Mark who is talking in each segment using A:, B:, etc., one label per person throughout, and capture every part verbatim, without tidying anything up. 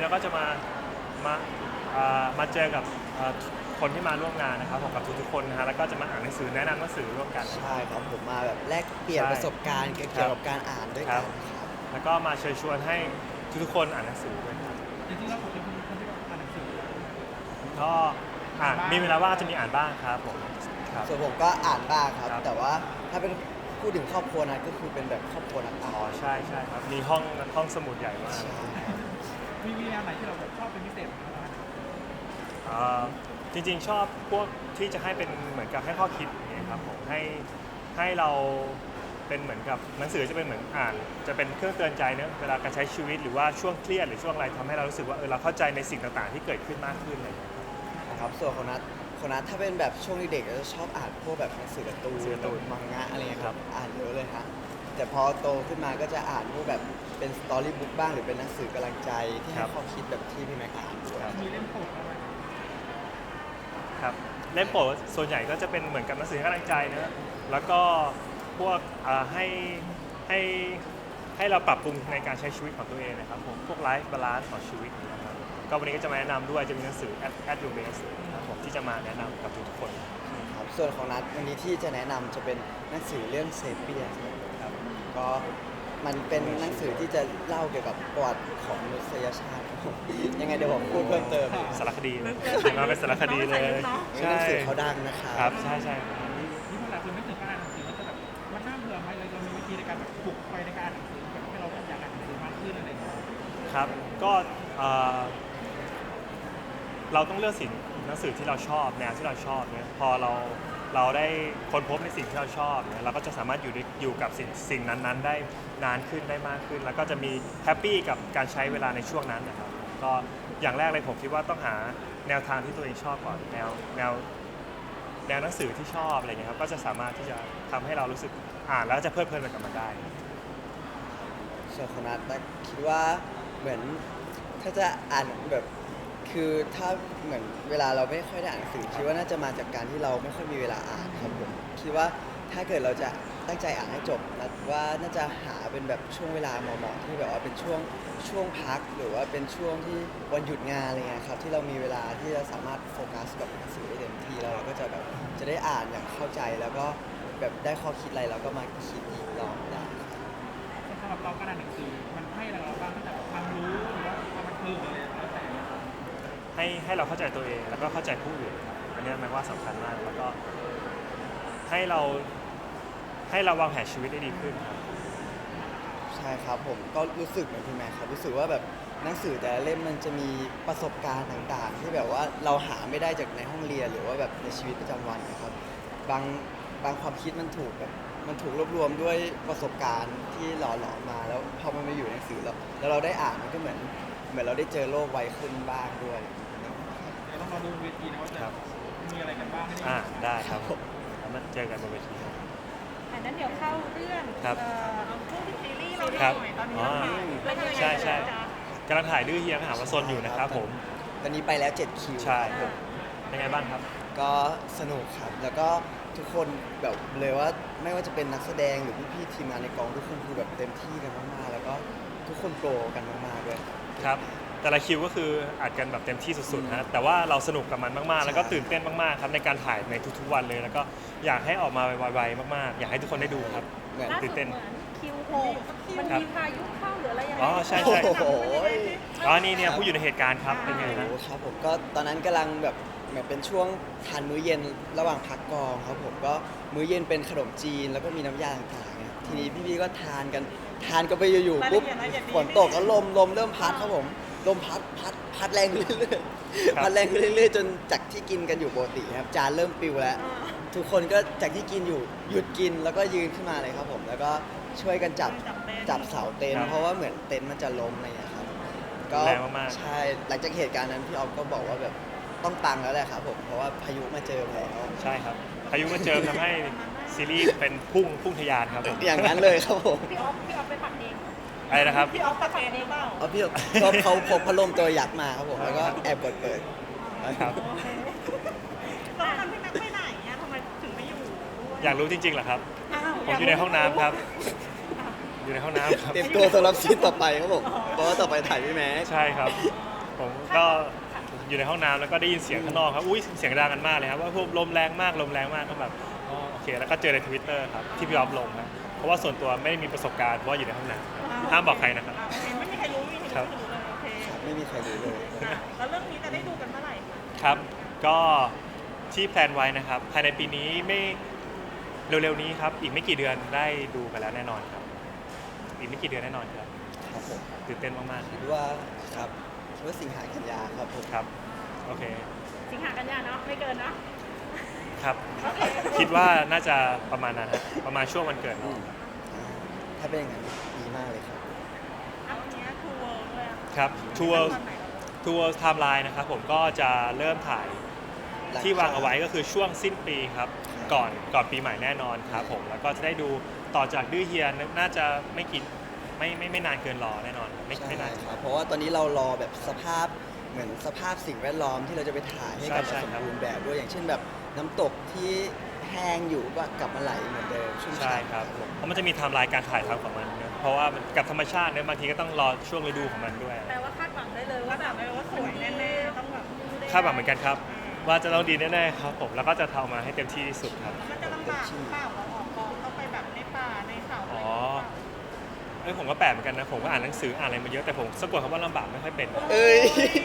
A: เราก็จะมามาอ่ามาเจอกับอ่าคนที่มาร่วมงานนะครับผมกับทุกๆคนนะฮะแล้วก็จะมาอ่านหนังสือแนะนำหนังสือร่วมกัน
B: ใช่ครับผมมาแบบแลกเปลี่ยน
A: ใช่
B: ประสบการณ์เกี่ยวกับการอ่านด้วยกัน
A: ครับ
B: ครับ
A: แล้วก็มาเชิญชวนให้ทุกๆคนอ่านหนังสือด้วยครับ
C: จริงๆแล้วผมเป็นคนที่แบบอ่านหนังสือ
A: ก็อ่านมีเวลาว่างจะมีอ่านบ้างครับผมครับ
B: ส่วนผมก็อ่านบ้างครับ
A: ครับ
B: แต่ว่าถ้าเป็นพูดถึงครอบครัวนะก็คือเป็นแบบครอบครัวนักอ่า
A: อ๋อน ใช่ใช่ครับมีห้องห้องสมุดใหญ่มาก
B: ใช่
C: มีมีแนวไหนที่เราแบบชอบเป็นพิเศษไหมครับ
A: อ่าจริงๆชอบพวกที่จะให้เป็นเหมือนกับให้ข้อคิดอย่างเงี้ยครับผมให้ให้เราเป็นเหมือนกับหนังสือจะเป็นเหมือนอ่าน จะเป็นเครื่องเตือนใจเนอะเวลาการใช้ชีวิตหรือว่าช่วงเครียดหรือช่วงอะไรทำให้เรารู้สึกว่าเออเราเข้าใจในสิ่งต่างๆที่เกิดขึ้นมากขึ้นอะไรอย่างเงี้ยครับ
B: นะครับส่วนของนัทของนัทถ้าเป็นแบบช่วงเด็กๆก็จะชอบอ่านพวกแบบหนังสือการ์ตูน
A: หนังสือการ์ตูน
B: มังงะอะไรเงี้ยค
A: ครั
B: รับบ อ่านเยอะเลยฮะแต่พอโตขึ้นมาก็จะอ่านพวกแบบเป็นสตอรี่บุ๊กบ้างหรือเป็นหนังสือกำลังใจที่ให้ข้อคิดแบบที่พี่แม็กอ่านด้วย
C: มีเล่มโปรดอะไร
A: ครับเล่มโปรดส่วนใหญ่ก็จะเป็นเหมือนกับหนังสือให้กำลังใจเนอะแล้วก็พวกอ่าให้ให้ให้เราปรับปรุงในการใช้ชีวิตของตัวเองนะครับผมพวกไลฟ์บาลานซ์ของชีวิตนะครับก็วันนี้ก็จะมาแนะนำด้วยจะมีหนังสือ at at your best นะครับผมที่จะมาแนะนำกับทุกๆคน
B: ครับส่วนของนัทวันนี้ที่จะแนะนำจะเป็นหนังสือเรื่องเซเปียน
A: ครับ
B: ก็มันเป็นหนังสือที่จะเล่าเกี่ยวกับประวัติของมนุษยชาติครับผมยังไงเดี๋ยวผมพูดเพิ่มเติม
A: สารคดีเลยมาเป็นสารคดีเลย
B: หนังสือเขาดังนะครับ
A: ครับใช่ใช่
C: นี่พวกเราคือไม่ถึงการอ่านหนังสือแล้วจะแบบมันน่าเบื่อไหมเราจะมีวิธีในการแบบปลุกไฟในการอ่านหนังสือแบบให้เราอยากอ่านหนังสือมากขึ้นอะไรอย่างเงี้ย
A: ครับก็เอ่อเราต้องเลือกสิ่งหนังสือที่เราชอบแนวที่เราชอบเนี่ยพอเราเราได้ค้นพบในสิ่งที่เราชอบเนี่ยเราก็จะสามารถอยู่ในอยู่กับสิ่งสิ่งนั้นๆ ได้นานขึ้นได้มากขึ้น แล้วก็จะมีแฮปปี้กับการใช้เวลาในช่วงนั้นนะครับก็อย่างแรกเลยผมคิดว่าต้องหาแนวทางที่ตัวเองชอบก่อนแนวแนวแนวหนังสือที่ชอบอะไรเงี้ยครับก็จะสามารถที่จะทำให้เรารู้สึกอ่านแล้วจะเพลิดเพลินไปกับมันได้
B: ส่วนของนัทนะคิดว่าเหมือนถ้าจะอ่านแบบคือถ้าเหมือนเวลาเราไม่ค่อยได้อ่านหนังสือคิดว่าน่าจะมาจากการที่เราไม่ค่อยมีเวลาอ่านครับผมคิดว่าถ้าเกิดเราจะตั้งใจอ่านให้จบนัทว่าน่าจะหาเป็นแบบช่วงเวลาเหมาะๆที่แบบว่าเป็นช่วงช่วงพักหรือว่าเป็นช่วงที่วันหยุดงานอะไรเงี้ยครับที่เรามีเวลาที่จะสามารถโฟกัสกับหนังสือได้เต็มที่แล้วเราก็จะแบบจะได้อ่านอย่างเข้าใจแล้วก็แบบได้ข้อคิดอะไรเราก็มาคิดอีกรอบได้
C: สำหรับเราการอ่านหนังสือมันให้อะไรเราบ้างตั้งแต่แบบความรู้หรือว่าความบันเทิงหรืออะไรแล้วแต่
A: ให้ให้เราเข้าใจตัวเองแล้วก็เข้าใจผู้อื่นครับอันนี้หมายว่าสำคัญมากแล้วก็ให้เราให้เราวางแผนชีวิตได้ดีขึ้นครับ
B: ใช่ครับผมก็รู้สึกเหมือนพี่แม่ครับรู้สึกว่าแบบหนังสือแต่ละเล่มมันจะมีประสบการณ์ต่างๆ ที่แบบว่าเราหาไม่ได้จากในห้องเรียนหรือว่าแบบในชีวิตประจำวันนะครับบางบางความคิดมันถูกแบบมันถูกรวบรวมด้วยประสบการณ์ที่หล่อหลอมมาแล้วพอมันมาอยู่ในหนังสือแล้วแล้วเราได้อ่านมันก็เหมือนเหมือนเราได้เจอโลกไวขึ้นบ้างด้วย
C: เดี๋ยวต้องรอดูเวทีนะว่าจะ
A: ครับ
C: มีอะไรกันบ้างให้ได้
A: อ่าได้ครับแล้วมาเจอกันบนเวทีครับ
D: อันนั้นเดี๋ยวเข้าเรื่อง
A: ครับ
D: เอ่อเอาพูดถึงซีรีส์เรา
A: ครับ
D: หน่อยตอนนี้
A: อ๋อ
D: เราถ่ายเรื่องอะไร
A: ใช่ใช่
D: จ๊ะ
A: กำลังถ่ายดื้อเฮียมหาวสนอยู่นะครับผม
B: ตอนนี้ไปแล้วเจ็ดคิว
A: ใช่ครับเป็นไงบ้างครับ
B: ก็สนุกครับ แล้วก็ทุกคนแบบเลยว่าไม่ว่าจะเป็นนักแสดงหรือพี่ๆทีมงานในกองทุกคนคือแบบเต็มที่กันมากๆแล้วก็ทุกคนโปรกันมากๆด้วย
A: ครับแต่ละคิวก็คืออัดกันแบบเต็มที่สุดๆนะแต่ว่าเราสนุกกับมันมากๆ แล้วก็ตื่นเต้นมากๆครับในการถ่ายในทุกๆวันเลย แล้วก็อยากให้ออกมาไวๆมากๆ อยากให้ทุกคนได้ดูครับ
B: เหมือน
D: ล่าสุ
A: ตื่
D: ด
A: น
D: เห
A: เต้น
D: มือนคิวหกมัน
A: ครับ
D: มีพายุเข้าหรืออะไรยังไง
A: อ๋อใช่ใช่
B: โอ้โห
A: อ๋อนี่เนี่ยผู้อยู่ในเหตุการณ์ครับเป็นไง
B: โอ้
A: นะ
B: โหครับผมก็ตอนนั้นกำลังแบบเหมือนเป็นช่วงทานมื้อเย็นระหว่างพักกองครับผมก็มื้อเย็นเป็นขนมจีนแล้วก็มีน้ำยาต่างๆเนี่ยทีนี้พี่ๆก็ทานกันทานกันไปอยู่ๆปุ๊บฝนตกแล้วลมลมเริ่มพัดครับผมลมพัดพัดพัดแรงขึ้นเรื่อยๆพัดแรงขึ้นเรื่อยๆจนจากที่กินกันอยู่ปกติครับจานเริ่มปิวแล้ว ทุกคนก็จากที่กินอยู่หยุดกินแล้วก็ยืนขึ้นมาเลยครับผมแล้วก็ช่วยกันจับจับเสาเต็น
A: ครั
B: ท์
A: บ
B: เพราะว่าเหมือนเต็นท์มันจะล้มอะไรอย่างเงี้ยครับก็
A: แรงมากๆ
B: ใช่หลังจากเหตุการณ์นั้นพี่ออฟก็บอกว่าแบบต้องปังแล้วแหละครับผมเพราะว่าพายุมาเจอแล้ว
A: ใช่ครับพายุมาเจอทำให้ซีรีส์เป็นพุ่งพุ่งทะยานครับผม
B: อย่างนั้นเลยครับผม
D: พี่ออฟพี่ออฟไปปักเอง
A: อะไรนะครับ
D: พี่ออฟปักเองหรือเปล่า
B: เอาพี่ออฟก็เขาพกพัดลมตัวยักษ์มาครับผมแล้วก็แอบกดเปิด
A: ครับ
D: ตอนนั้นพี่แม็กไปไหนอะทำไมถึงไม่อยู่ด้วย
A: อยากรู้จริงๆเหรอครับ
D: อ้าว
A: ผมอยู่ในห้องน้ำครับ อยู่ในห้องน้ำครับ
B: เตรียมตัวสำหรับซีนต่อไปครับผมเพราะว่าต่อไปถ่ายพี่แม็ก
A: ใช่ครับผมก็อยู่ในห้องน้ำแล้วก็ได้ยินเสียงข้างนอกครับอุ้ยเสียงดังกันมากเลยครับว่าพวกลมแรงมากลมแรงมากก็แบบอ๋อโอเคแล้วก็เจอในทวิตเตอร์ครับที่พี่ออฟลงนะเพราะว่าส่วนตัวไม่ได้มีประสบการณ์เพราะว่าอยู่ในห้องน้ำห้ามบอกใครนะครับ
D: โอเคไม่มีใครรู้ไม่มีใครรู้เลยโอเค
B: ไม่มีใครรู้เลย
D: อ่ะแล้วเรื่องนี้จะได้ดูกันเมื่อไหร่คะ
A: ครับก็ที่แพลนไว้นะครับภายในปีนี้ไม่เร็วๆนี้ครับอีกไม่กี่เดือนได้ดูกันแล้วแน่นอนครับอีกไม่กี่เดือนแน่นอนครับ
B: ครับผม
A: ตื่นเต้นมากๆ
B: คิดว่าครับคิดว่าสิงหากันยาครับผม
A: ครับโอเค
D: สิงหากันยาเนาะไม่เกินเนาะ
A: ครับ
D: โอเค
A: คิดว่าน่าจะประมาณนั้นฮะประมาณช่วงวันเกิด
B: อื
A: น้อง
B: มอ่าถ้าเป็นอย่างนั้นดีมากเลยครับ
D: เอาอันเนี้ยทูเวิร์ด้วยอะ
A: ครับทัวร์
D: ตอนไหนเหรอ
A: ทัวร์ไทม์ไลน์นะครับผมก็จะเริ่มถ่ายที่วางเอาไว้ก็คือช่วงสิ้นปีครับก่อนก่อนปีใหม่แน่นอนครับผมแล้วก็จะได้ดูต่อจากดื้อเฮียน่าจะไม่กี่ไม่ไม่ไม่นานเกินรอแน่นอนครับไม่
B: ใช่
A: ไม่นาน
B: ครับเพราะว่าตอนนี้เรารอแบบสภาพเหมือนสภาพสิ่งแวดล้อมที่เราจะไปถ่ายให้กลับ
A: ใช่
B: มา
A: ใช่
B: สม
A: ครับ
B: บูรณ์แบบด้วยอย่างเช่นแบบน้ำตกที่แห้งอยู่ก็กลับมาไหลเหมือนเดิมชุ่ม
A: ใช่
B: ฉ่ำ
A: ครับเพราะมันจะมีไทม์ไลน์การถ่ายทำของมันนะเพราะว่ามันกับธรรมชาติเนี่ยบางทีก็ต้องรอช่วงฤดูของมันด้วย
D: แปลว่าคาดหวังได้เลยว่าแบบไม่ว่าสวยแน่ๆต้องแบบ
A: คาดหวังเหมือนกันครับ ว่าจะต้องดีแน่ๆครับผมแล้วก็จะทำมาให้เต็มที่ที่สุดครับ
D: มันจะลำบากหรือเปล่าเราออกกองต้องไปแบบในป่าในเขาอะไรอย่าง
A: อ๋อ
D: เงี้ย
A: เอ้ยผมก็แปลกเหมือนกันนะผมก็อ่านหนังสืออ่านอะไรมาเยอะแต่ผมสะกดคำว่าลำบากไม่ค่อยเป็น
B: เอ้ย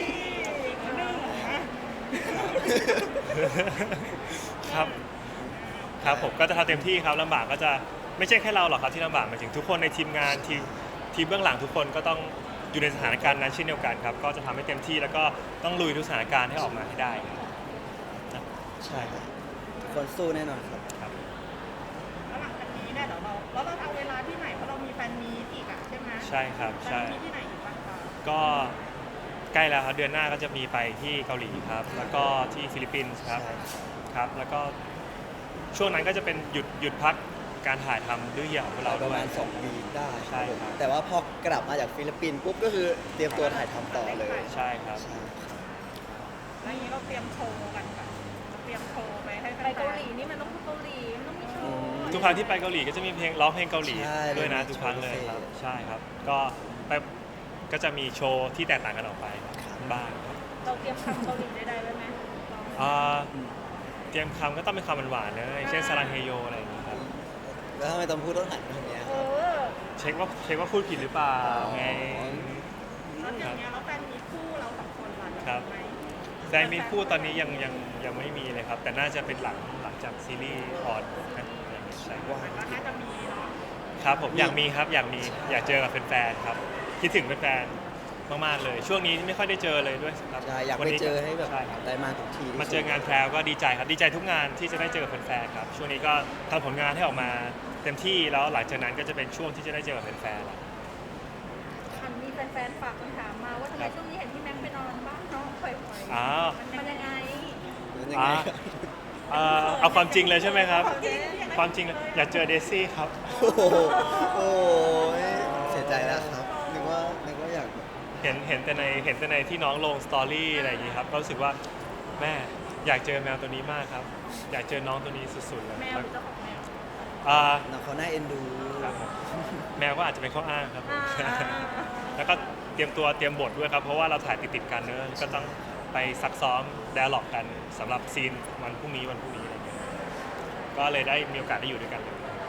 A: ครับครับผมก็จะทำเต็มที่ครับลำบากก็จะไม่ใช่แค่เราหรอกครับที่ลำบากหมายถึงทุกคนในทีมงานทีมทีมเบื้องหลังทุกคนก็ต้องอยู่ในสถานการณ์นั้นเช่นเดียวกันครับก็จะทำให้เต็มที่แล้วก็ต้องลุยทุกสถานการณ์ให้ออกมาให้ได้ครับ
B: ใช่ครับทุกคนสู้แน่นอนครับ
A: ครับ
D: แล้วหลังจากนี้เนี่ยเดี๋ยวเราแล้วเราจะเอาเวลาที่ไหนเพราะเรามีแฟนมีตอีกอะใช่ไหม
A: ใช่ครับ
D: แฟน
A: ใช่
D: มีตที่ไหนอีกบ้างคะ
A: ก็ใกล้แล้วครับเดือนหน้าก็จะมีไปที่เกาหลีครับแล้วก็ที่ฟิลิปปินส์ครับ
B: ใช่ครับ
A: ครับแล้วก็ช่วงนั้นก็จะเป็นหยุดหยุดพักการถ่ายทำดื้อเหี่ยวของพวกเรา
B: ป
A: ด้
B: ระ
A: วย
B: มาณสองวีคได้
A: ใช่ครับ
B: แต่ว่าพอกลับมาจากฟิลิปปินส์ปุ๊บก็คือเตรียมตัวถ่ายทำต่อเลย
A: ใช่ครับ
B: ใช่ครับ
D: แล้วอย่างนี้เราเตรียมโชว์กันแบบเตรียมโชว์ไปให้แฟนๆ
E: ไปเกาหลีนี่มันต้องพูดเกาหลีมันต้องมีโช
B: อื
E: ว์
B: ม
A: ทุกครั้งที่ไปเกาหลีก็จะมีเพลงร้องเพลงเกาหลี
B: ใช่
A: ด้วยนะ
B: มี
A: ทุกครั้งเลยครับ
B: โชว์พิเศษ
A: ใช่ครับ ก็ไปก็จะมีโชว์ที่แตกต่างกันออกไป
B: ครับ
A: บ้างครับ
E: เราเตรียมคำเกาหลีได้ๆไว้ไหม
A: อ่าเตรียมคำก็ต้องเป็นคำหวานๆเลยเช่นซาลังเฮโยอะไรอย่างนี้ครับ
B: แล้วทำไมต้องพูดต้องหันมาทางเนี้ย
E: เออ
A: เช็คว่าเช็คว่าพูดผิดหรือเปล่าไง
D: แล้วอย่างเงี้ยแล้วแฟนมีคู่เราสองคนล่ะ
A: ครับ
D: ไหม
A: แฟนมีคู่ตอนนี้ยังยังยังไม่มีเลยครับ แต่น่าจะเป็นหลังหลังจากซีรีส์ออนนะอะไรอย่างเงี้ยใช่
B: ว่า
D: ก็น่าจะมีเนาะ
A: ครับผมอยากมีครับอยากมีอยากเจอกับแฟนๆครับคิดถึงแฟนๆมากๆเลย ช่วงนี้ไม่ค่อยได้เจอเลยด้วยครับ
B: ใช่อยาก
A: วัน
B: ไป
A: นี้
B: เจอให้แบบ
A: ใช่ครับ
B: ได้มาทุกทีที่
A: มาเจองานแพรวก็ดีใจครับดีใจทุกงานที่จะได้เจอกับแฟนๆครับช่วงนี้ก็ทำผลงานให้ออกมาเต็มที่แล้วหลังจากนั้นก็จะเป็นช่วงที่จะได้เจอกับแฟนๆแล้ว
E: คันมีแฟนๆฝากคำถามมาว่าทำไมช่วงนี้เห็นพี่แม็กซ์ไปนอนบ้านน้องปล่อยๆ
A: อ้าว
E: มันยังไง
B: เป็นยังไง
A: อ่า เอ่อเอาความจริงเลยใช่ไหมครับ
D: จริง
A: ความจริงเลยอยากเจอเดซี่ครับ
B: โอ้โหโอ้ยเสียใจแล้วครับนึกว่านึกว่าอยากแบบ
A: เห็นเห็นแต่ในเห็นแต่ในที่น้องลงสตอรี่อะไรอย่างนี้ครับก็รู้สึกว่าแม่อยากเจอแมวตัวนี้มากครับ อยากเจอน้องตัวนี้สุดๆเลย
E: แมวหรือเจ้าของแมว
A: อ่า
B: น้องเขาน่าเอ็นดู
A: ครับผมแมวก็อาจจะเป็นข้ออ้างครับผม
E: อ่า
A: แล้วก็เตรียมตัวเตรียมบทด้วยครับ เพราะว่าเราถ่ายติดๆกันเนอะก็ต้องไปซักซ้อมไดอะล็อกกันสำหรับซีนวันพรุ่งนี้วันพรุ่งนี้อะไรเงี้ยก็เลยได้มีโอกาสได้อยู่ด้วยกันเลย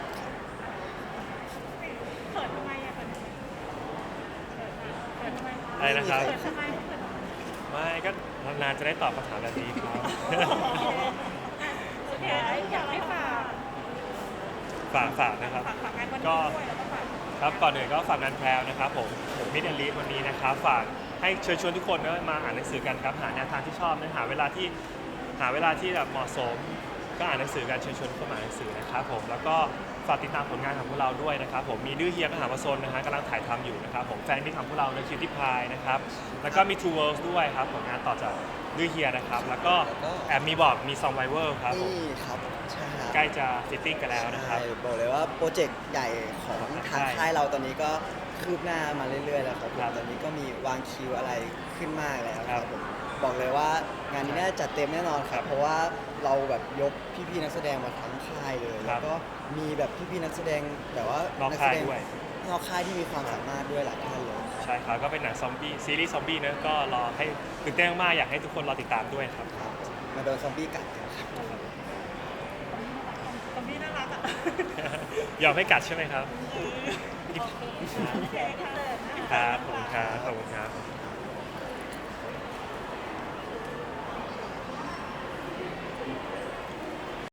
D: เขินทำไมอะเขินทำไมเขินทำไม
A: อะไรนะครับ
D: เขินทำไมเขินทำไม
A: ไม่ก็นานๆจะได้ตอบคำถามแบบนี้ครับ
D: โอเคอยากให้ฝาก
A: ฝากฝากนะครับ
D: ฝากฝากงานวันนี้
A: ก็
D: ด้วยแล้วก็ฝาก
A: ครับก่อนอื่นก็ฝากงานแพรวนะครับผมผมมิดแอนลีฟวันนี้นะครับฝากให้เชิญชวนทุกคนนะมาอ่านหนังสือกันครับหาแนวทางที่ชอบนะหาเวลาที่หาเวลาที่แบบเหมาะสม ก็อ่านหนังสือกันเชิญชวนเข้ามาอ่านหนังสือนะครับผมแล้วก็ฝากติดตามผลงานของพวกเราด้วยนะครับผมมีดื้อเฮียมหาวสนนะฮะกำลังถ่ายทำอยู่นะครับผมแฟนมิตรของพวกเราในคิวที่พายนะครับแล้วก็มี Two Worlds ด้วยครับผลงานต่อจากดื้อเฮียนะครับแล้วก็แอบมีบอกมีซองไวเวอร์ครับผม
B: นี่ครับใช่ครับ
A: ใกล้จะฟิตติ้งกันแล้วนะครับ
B: ใช่บอกเลยว่าโปรเจกต์ใหญ่ของทาง
A: ใช่
B: ค่ายเราตอนนี้ก็คืบหน้ามาเรื่อยๆแล้วครับผม
A: ครับ
B: ตอนนี้ก็มีวางคิวอะไรขึ้นมากแล้ว
A: ค
B: ค
A: รั
B: รั
A: บบ
B: ผมบอกเลยว่างานนี้น่าจะจัดเต็มแน่นอนค
A: ครั
B: รับ
A: บ
B: เพราะว่าเราแบบยกพี่ๆนักแสดงมาทั้งค่ายเลย
A: ครั
B: แล้
A: บ
B: วก็มีแบบพี่ๆนักแสดงแบบว่า
A: น้อง
B: นัแส
A: ค่าย
B: ดง
A: ด้วย
B: ใช่นอกค่ายที่มีความสามารถด้วยหลายท่านเลย
A: ใช่ครับก็เป็นหนังซอมบี้ซีรีส์ซอมบี้นะก็รอให้ตื่นเต้นมากๆอยากให้ทุกคนรอติดตามด้วยครับ
B: ครับมาโดนซอมบี้กัดกันครับ
D: ซอมบี้น่ารักอ่ะ
A: ยอมให้กัดใช่ไหมครับ
E: โอเคโอเคค่ะ
A: ครับขอบคุณครับขอบคุณครับ